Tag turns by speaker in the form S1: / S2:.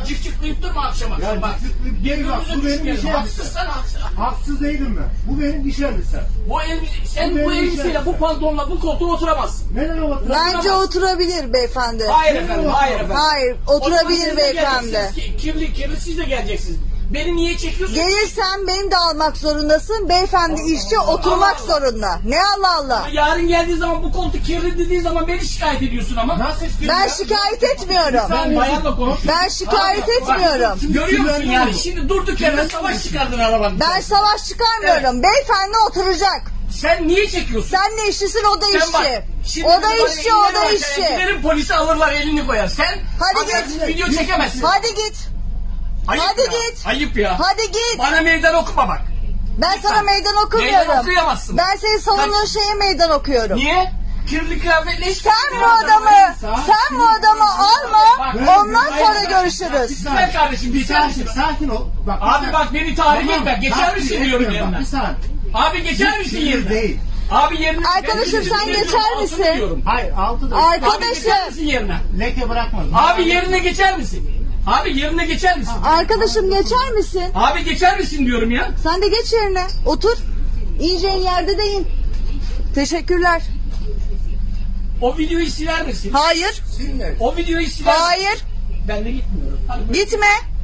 S1: cık cıklayıp durma akşam akşam.
S2: Ya
S1: Bak.
S2: cık değil bak. Bu benim iş
S1: Haksızsan haksız.
S2: Haksız değilim ben. Bu benim iş elbisem.
S1: Sen bu elbiseyle, bu pantolonla bu koltuğa oturamazsın.
S2: Neden oturayım?
S3: Bence oturabilir beyefendi.
S1: Hayır efendim, hayır efendim.
S3: Hayır,
S1: O zaman
S3: oturabilir
S1: siz de
S3: beyefendi.
S1: geleceksiniz. Kirli siz de geleceksiniz. Beni niye çekiyorsun?
S3: Gelirsen beni de almak zorundasın. Beyefendi işçi oturmak
S1: Allah.
S3: zorunda. Ne Allah Allah.
S1: Yarın geldiği zaman bu koltuk kirli dediği zaman beni şikayet ediyorsun ama.
S2: Nasıl istiyorsun?
S3: Ben şikayet etmiyorum.
S1: Ben bayanla konuş.
S3: Ben şikayet etmiyorum.
S1: Görüyor musun yani? Şimdi durduk yere savaş çıkardın arabanın.
S3: Ben savaş çıkarmıyorum. Beyefendi oturacak.
S1: Sen niye çekiyorsun?
S3: Sen ne işçisin, o da
S1: Sen bak,
S3: işçi.
S1: şimdi
S3: O da
S1: bana
S3: işçi, o da
S1: elini
S3: işçi.
S1: Giderim polisi alırlar, elini koyar. Sen
S3: Hadi
S1: habersiz
S3: git.
S1: video çekemezsin.
S3: Hadi git.
S1: Ayıp
S3: hadi
S1: ya,
S3: git.
S1: Ayıp ya.
S3: Hadi git.
S1: Bana meydan okuma bak.
S3: Ben sana meydan okumuyorum.
S1: Meydan okuyamazsın.
S3: Ben senin savunduğun şeye meydan okuyorum.
S1: Niye? Kirli kıyafetle hiç...
S3: Sen bu adamı alma. Ondan sonra görüşürüz.
S1: Güzel kardeşim, geçer misin?
S2: Sakin ol. Bak,
S1: Abi bak beni tahrik etme. Geçer misin diyorum yerine.
S2: Bir saniye.
S1: Abi geçer misin
S2: Kirli
S1: yerine?
S2: değil.
S1: Abi yerine...
S3: Arkadaşım, sen geçer misin?
S1: Diyorum.
S2: Hayır altı da.
S1: Abi geçer
S3: Arkadaşım.
S1: misin yerine?
S2: Leke bırakmaz.
S1: Abi yerine geçer misin? Abi yerine geçer misin?
S3: Arkadaşım geçer misin?
S1: Abi geçer misin diyorum ya.
S3: Sen de geç yerine. Otur. İneceğin yerde de in. Teşekkürler.
S1: O videoyu siler misin?
S3: Hayır.
S1: O videoyu siler misin?
S3: Hayır.
S1: Ben de gitmiyorum. Hadi buyur.
S3: Gitme.